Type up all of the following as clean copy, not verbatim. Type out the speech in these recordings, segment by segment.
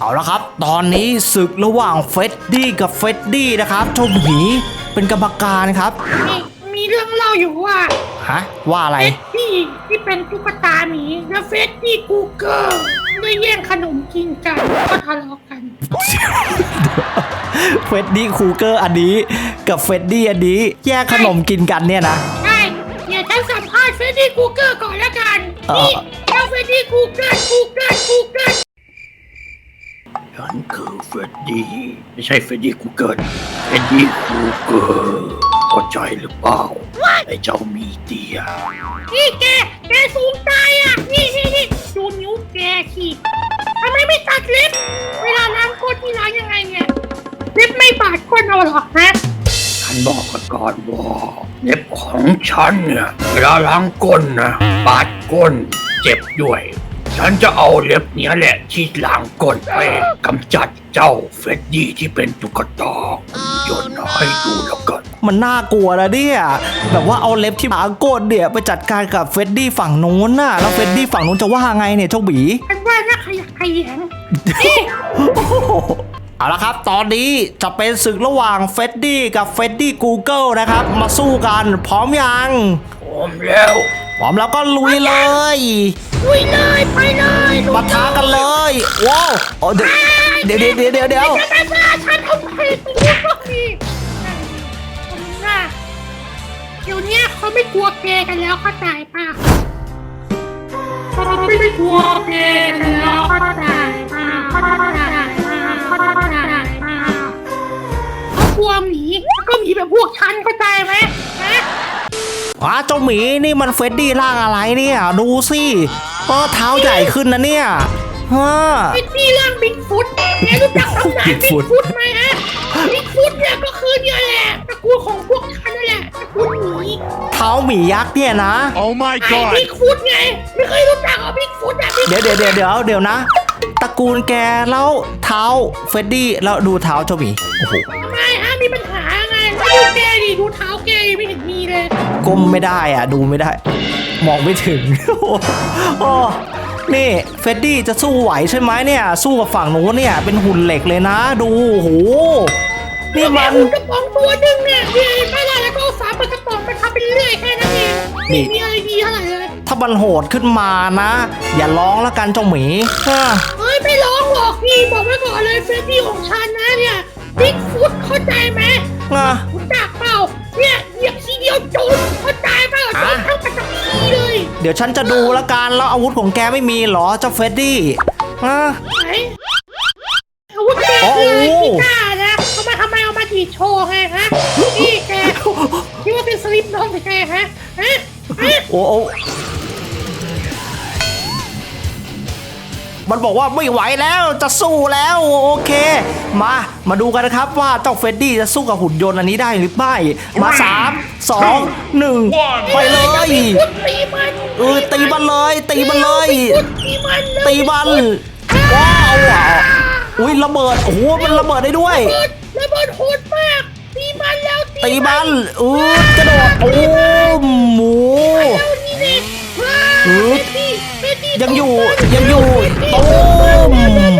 เอาละครับตอนนี้ศึกระหว่างเฟดดี้กับเฟดดี้นะครับเจ้าหมีเป็นกรรมการครับมีเรื่องเล่าอยู่ว่าฮะว่าอะไรเฟดดี้ที่เป็นตุ๊กตาหมีและเฟดดี้กูเกิลได้แย่งขนมกินกันก็ทะเลาะกันเฟดดี้คูเกอร์อันนี้กับเฟดดี้อันนี้แยกขนมกินกันเนี่ยนะใช่เดี๋ยวฉันสัมภาษณ์เฟดดี้กูเกิลก่อนละกันนี่เจ้าเฟดดี้กูเกิลฉันคือเฟรดดี้ไม่ใช่เฟรดดี้กูเกิลเฟรดดี้กูเกิลเข้าใจหรือเปล่าไอ้เจ้ามีเดียนี่แกสูงตายอ่ะนี่ดูนิ้วแกสิทำไมไม่ตัดเล็บเวลาล้างก้นที่ล้างยังไงเนี่ยเล็บไม่บาดก้นเอาหรอฮะฉันบอกก่อนว่าเล็บของฉันเนี่ยเวลาล้างก้นนะบาดก้นเจ็บด้วยฉันจะเอาเล็บเนี้ยแหละที่ล้างก้นไปกำจัดเจ้าเฟรดดี้ที่เป็นตุ๊กตาโยนให้ดูแล้วกันมันน่ากลัวนะเนี่ยแบบว่าเอาเล็บที่ล้างก้นเนี่ยไปจัดการกับเฟดดี้ฝั่งนู้นน่ะแล้วเฟดดี้ฝั่งนู้นจะว่าไงเนี่ยเจ้าบีฉันว่าน่าขยักขยงเอาละครับตอนนี้จะเป็นศึกระหว่างเฟดดี้กับเฟดดี้กูเกิลนะครับมาสู้กันพร้อมยังพร้อมแล้วก็ลุยเลยไปเลยมาท้ากันเลยว้าวเดี๋ยวฉันทำไมตัวพวกนี้เดี๋ยวนี้เขาไม่กลัวแกกันแล้วเข้าใจป่ะเขาไม่กลัวแกกันแล้วเข้าใจป่ะเขากลัวหมีก็หมีแบบพวกฉันเข้าใจไหมเจ้าหมีนี่มันเฟดดี้ร่างอะไรเนี่ยดูสิเท้าใหญ่ขึ้นนะเนี่ยเฟดดี้ร่างบิ๊กฟุตแกรู้จักตำนานบิ๊กฟุตไหมฮะบิ๊กฟุตเนี่ยก็คือเนี่ยแหละตระกูลของพวกฉันนั่นแหละตระกูลหมีเท้าหมียักษ์เนี่ยนะ Oh my god บิ๊กฟุตไงไม่เคยรู้จักบิ๊กฟุตเดี๋ยวนะตระกูลแกแล้วเท้าเฟดดี้แล้วดูเท้าเจ้าหมีโอ้โหทำไมฮะมีปัญหาไงดูแกดิดูเท้าแกไม่เห็นมีเลยก้มไม่ได้ดูไม่ได้มองไม่ถึงโอ้นี่เฟดดี้จะสู้ไหวใช่ไหมเนี่ยสู้กับฝั่งนู้นเนี่ยเป็นหุ่นเหล็กเลยนะดูโหนี่มันกระป๋องตัวหนึ่งเนี่ยไม่ได้แล้วก็ฝาเปิดกระป๋องไปทำเป็นเรื่อยแค่นั้นเองไม่มีอะไรดีเท่าไหร่เลยถ้ามันโหดขึ้นมานะอย่าร้องแล้วกันเจ้าหมีเฮ้ยไม่ร้องหรอกนี่บอกไว้ก่อนเลยเฟดดี้ของฉันนะเนี่ยบิ๊กฟุตเข้าใจไหมคุณจักเปล่าเนี่ยเหยียบทีเดียวจมเข้าใจเปล่าจมทั้งปัตตานีเลยเดี๋ยวฉันจะดูละกันแล้วอาวุธของแกไม่มีหรอเจ้าเฟดดี้อาวุธแกเลยกีตาร์นะทำไมเอามาดีโชว์ไงฮะนี่แกคิดว่าเป็นสลิปน้องหรือไงฮะโอ้มันบอกว่าไม่ไหวแล้วจะสู้แล้วโอเคมาดูกันนะครับว่าเจ้าเฟดดี้จะสู้กับหุ่นยนต์อันนี้ได้หรือไม่มา3 2 1ไปเลยตีมันเลยตีมันว้าวอุ้ยระเบิดโอ้โหมันระเบิดได้ด้วยระเบิดโหดมากตีมันกระโดดโอ้หมูยังอยู่ตูม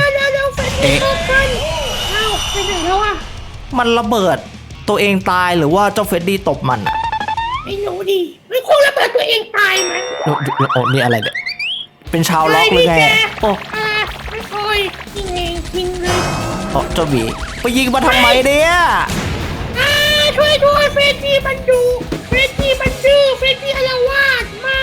มันระเบิดตัวเองตายหรือว่าเจ้าเฟดดี้ตบมันไม่รู้ดิไม่คงระเบิดตัวเองตายมั้ยนี่อะไรเนี่ยเป็นชาวล็อกหรือไงไม่ค่อยยิงเลยเจ้าหมีไปยิงมาทำไมเนี่ยช่วยเฟดดี้มันดูเฟดดี้มันดื้อเฟดดี้อาละวาดมา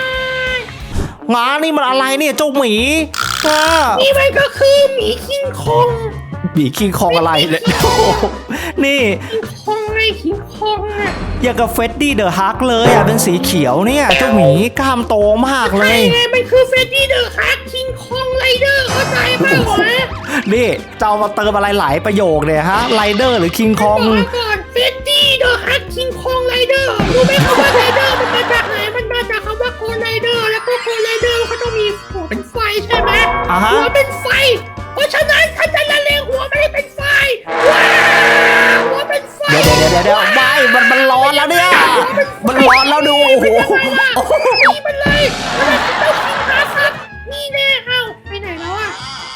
นี่มันอะไรเนี่ยเจ้าหมีนี่มันก็คือหมีคิงคองอะไรเนี่ยนี่คิงคองอย่างกับเฟดดี้เดอะฮักเลยเป็นสีเขียวเนี่ยเจ้าหมีกล้ามโตมากเลยมันคือเฟดดี้เดอะฮักคิงคองไรเดอร์เข้าใจป่ะนี่เจ้ามาเติมอะไรหลายประโยคเนี่ยฮะไรเดอร์หรือคิงคองเฟดดี้เดอะฮักคิงคองไรเดอร์รู้ไหมคำว่าไรเดอร์มันมาจากไหนมันมาจากคำว่าโคไรเดอร์แล้วก็โคไรเดอร์เขาต้องมีหัวเป็นไฟใช่ไหมหัวเป็นไฟเพราะฉะนั้นถ้าจะละเลงหัวไม่ให้เป็นไฟหัวเป็นไฟเดี๋ยวไม่มันร้อนแล้วเนี่ยมันร้อนแล้วดูโอ้โหนี่มันเลยนี่แน่ไปไหนแล้ว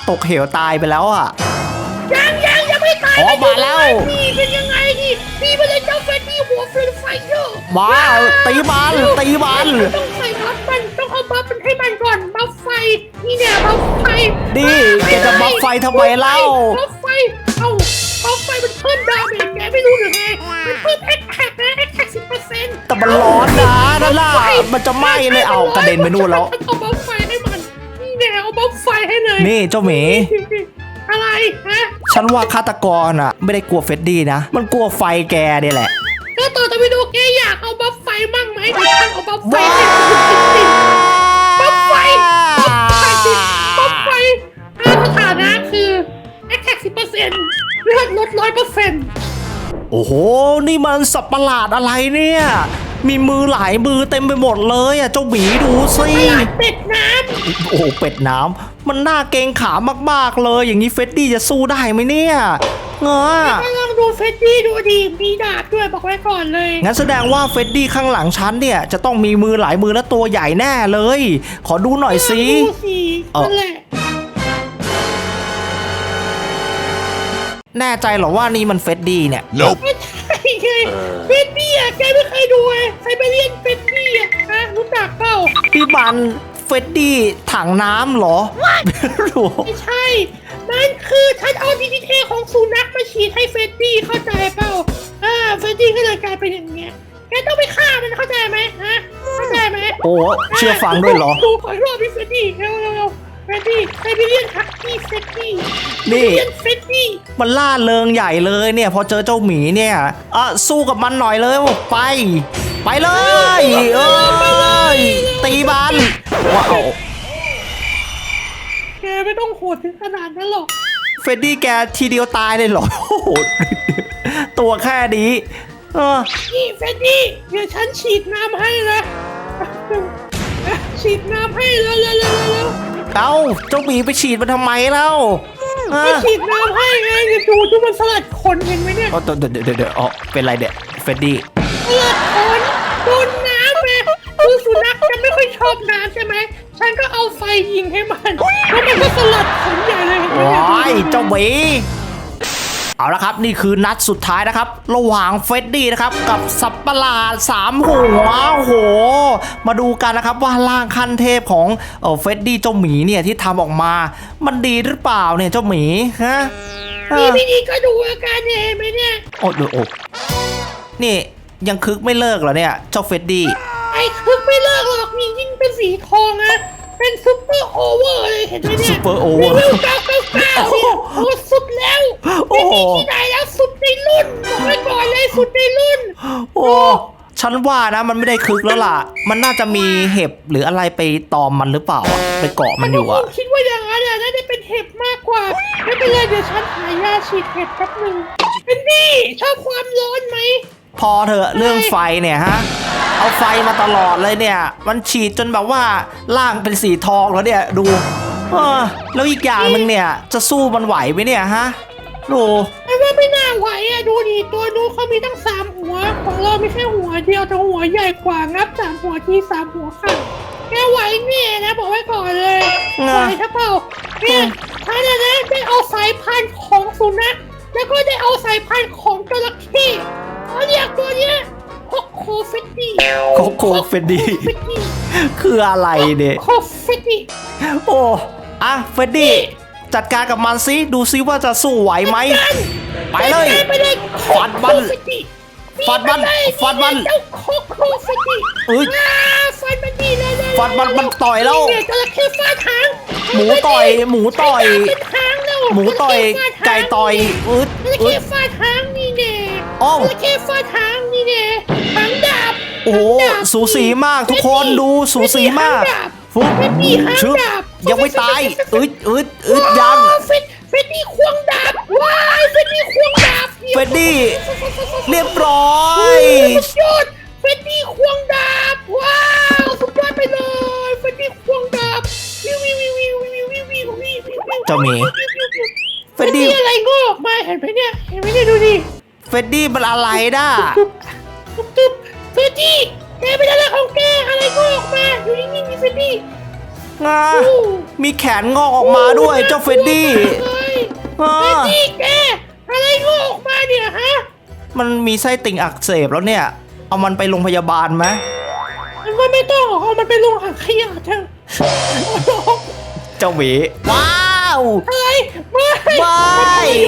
ตกเหวตายไปแล้วอ่ะยังไม่ตายอ๋อมาแล้วนี่เป็นยังไงนี่ไปเลยเจ้าเฟรดดี้หัวเฟรนไฟเยอร์มาตีมันตีมันต้องใส่บัฟมันต้องเอาบัฟมันให้มันก่อนบัฟไฟนี่เนี่ยบัฟไฟดิแกจะบัฟไฟทำไมเล่าบัฟไฟเอาบัฟไฟมันเพิ่มดาเมจแกไม่รู้หรือไงมันเพิ่มแอคแท็กนะแอคแท็ก10% แต่มันร้อนนะนั่นล่ะมันจะไหม้เลยเอากระเด็นไปนู่นแล้วเอาบัฟไฟให้มันนี่เนี่ยเอาบัฟไฟให้เลยนี่เจ้าหมีอะไรฮะฉันว่าฆาตกรอ่ะ ไม่ได้กลัวเฟดดี้นะ มันกลัวไฟแกเนี่ยแหละก็ต่อจะไปดูแกอยากเอาบัฟไฟมั่งไหมเดี๋ยวฉันเอาบัฟไฟให้บัฟไฟบัฟไฟสถานะคือแอคแท็ก10%เลือดลด100% โอ้โห นี่มันสัตว์ประหลาดอะไรเนี่ย มีมือหลายมือเต็มไปหมดเลยอ่ะ เจ้าหมีดูสิเป็ดน้โอ้โหเป็ดน้ำมันน่าเกรงขามมากๆเลย อย่างนี้เฟดดี้จะสู้ได้ไหมเนี่ยเงาำก็ลองดูเฟดดี้ดูดีมีดาบด้วยบอกไว้ก่อนเลยงั้นแสดงว่าเฟดดี้ข้างหลังฉันเนี่ยจะต้องมีมือหลายมือและตัวใหญ่แน่เลย ขอดูหน่อยสิดูสินั่นแหละแน่ใจเหรอว่านี่มันเฟดดี้เนี่ยไม่ใช่ไงเฟดดี้อ่ะแกไม่เคยดูไงไซเบเรียนเฟดดี้อ่ะฮะรู้จักเปล่าพี่บันเฟดดี้ถังน้ำเหรอไม่ใช่ มันคือฉันเอาดีทีเทของสุนัขมาฉีดให้เฟดดี้เข้าใจเปล่าเฟดดี้ก็เลยกลายเป็นอย่างเงี้ยแกต้องไปฆ่ามันเข้าใจไหมฮะเข้าใจไหมโอ้เชื่อฟังด้วยเหรอดูขออีกรอบพี่เฟดดี้เร็วเฟดดี้ไซเบเรียนฮักกี้เฟดดี้นี่เฟดดี้มันล่าเริงใหญ่เลยเนี่ย พอเจอเจ้าหมีเนี่ยสู้กับมันหน่อยเลยไป ไปเลยเอ้ยตีมันว้าวแกไม่ต้องโหดถึงขนาดนั้นหรอกเฟดดี้แกทีเดียวตายเลยเหรอโอ้โหตัวแค่นี้นี่เฟดดี้เดี๋ยวฉันฉีดน้ำให้นะฉีดน้ำให้เร็วเอ้าเจ้าหมีไปฉีดมันทำไมเล่าไปฉีดน้ำให้ไงเดี๋ยวดูมันสลัดขนเห็นไหมเนี่ยเดี๋ยวเป็นไรเด็กเฟดดี้สลัดขนโดนน้ำไงคือสุนัขจะไม่ค่อยชอบน้ำใช่ไหมฉันก็เอาไฟยิงให้มันแล้วมันก็สลัดขนใหญ่เลยโอ้ยเจ้าหมีเอาละครับนี่คือนัดสุดท้ายนะครับระหว่างเฟดดี้นะครับกับสัตว์ประหลาด3หัวโอ้โหมาดูกันนะครับว่าร่างขั้นเทพของเฟดดี้เจ้าหมีเนี่ยที่ทำออกมามันดีหรือเปล่าเนี่ยเจ้าหมีฮะนี่พี่ก็ดูอาการเนี่ยเห็นไหมเนี่ยโอ้โหนี่ยังคึกไม่เลิกเหรอเนี่ยเจ้าเฟดดี้ไอ้คึกไม่เลิกหรอกนี่ยิ่งเป็นสีทองนะเป็นซุปเปอร์โอเวอร์เลยเห็นไหมเนี่ยซุปเปอร์โอเวอร์เร็ว999เนี่ยโอ้สุดแล้วโอ้ไม่มีที่ไหนแล้วสุดในรุ่นบอกไว้ก่อนเลยสุดในรุ่นโอ้ฉันว่านะมันไม่ได้คึกแล้วล่ะ มันน่าจะมีเห็บหรืออะไรไปตอมมันหรือเปล่าไปเกาะมันอยู่อะคิดว่าอย่างนั้นน่าจะเป็นเห็บมากกว่าไม่เป็นไรเดี๋ยวฉันหายาฉีดเห็บแป๊บนึงเป็นนี่ชอบความร้อนไหมพอเถอะเรื่องไฟเนี่ยฮะเอาไฟมาตลอดเลยเนี่ยมันฉีดจนแบบว่าร่างเป็นสีทองแล้วเนี่ยดูแล้วอีกอย่างหนึ่งเนี่ยจะสู้มันไหวไหมเนี่ยฮะดูแต่ว่าไม่น่าไหวอ่ะดูดิตัวนู้นเขามีตั้ง3หัวของเรามีแค่หัวเดียวแต่หัวใหญ่กว่างับ3หัวที่3หัวค่ะแกไหวเนี่ยนะบอกไว้ก่อนเลยไหวถ้าเปล่าเนี่ยฉันนะได้เอาสายพันธุ์ของสุนัขแล้วก็ได้เอาสายพันธุ์ของจระเข้เขาเรียกตัวเนี้ยโคโคเฟตตี้โคโคเฟดดี้คืออะไรเนี่ยโคเฟตตี้โอ้เฟดดี้จัดการกับมันซิดูซิว่าจะสู้ไหวไหมไปเลยไปเลยฟัดมันฟัดมันฟัดมันเจ้าโคโคเฟตตี้เอ้ยฟันมันดีเลยฟัดมันต่อยแล้วเนี่ยจระเข้ฟาดหางหมูต่อยหมูต่อยเป็นหางแล้วหมูต่อยไก่ต่อยอึดจระเข้ฟาดหางนี่แน่อ้าวจระเข้ฟาดหางนี่แน่หางดาบโอ้โหสูสีมากทุกคนดูสูสีมากฟุ๊บเฟตตี้หางชึบดาบยังไม่ตายอึดยังเฟตตี้ควงดาบว้ายเฟตตี้ควงดาบเฟดดี้เรียบร้อยสุดยอดเฟตตี้ควงดาบว้าวสุดยอดไปเลยเฟตตี้ควงดาบวิวเจ้าหมีเฟตตี้อะไรงอกออกมาเห็นไหมเนี่ยดูดิเฟดดี้มันอะไรน่ะตุ๊บเฟตตี้แกเป็นอะไรของแกอะไรงอกออกมาอยู่นิ่งๆนี่เฟตตี้งามีแขนงอกออกมาด้วยเจ้าเฟรดดี้เฟรดดี้แกอะไรงอกออกมาเนี่ยฮะมันมีไส้ติ่งอักเสบแล้วเนี่ย เอามันไปโรงพยาบาลไหมมันก็ไม่ต้องเอามันไปลงถังขยะเถอะเจ้าหมีว้าวอะไรไม่ไม่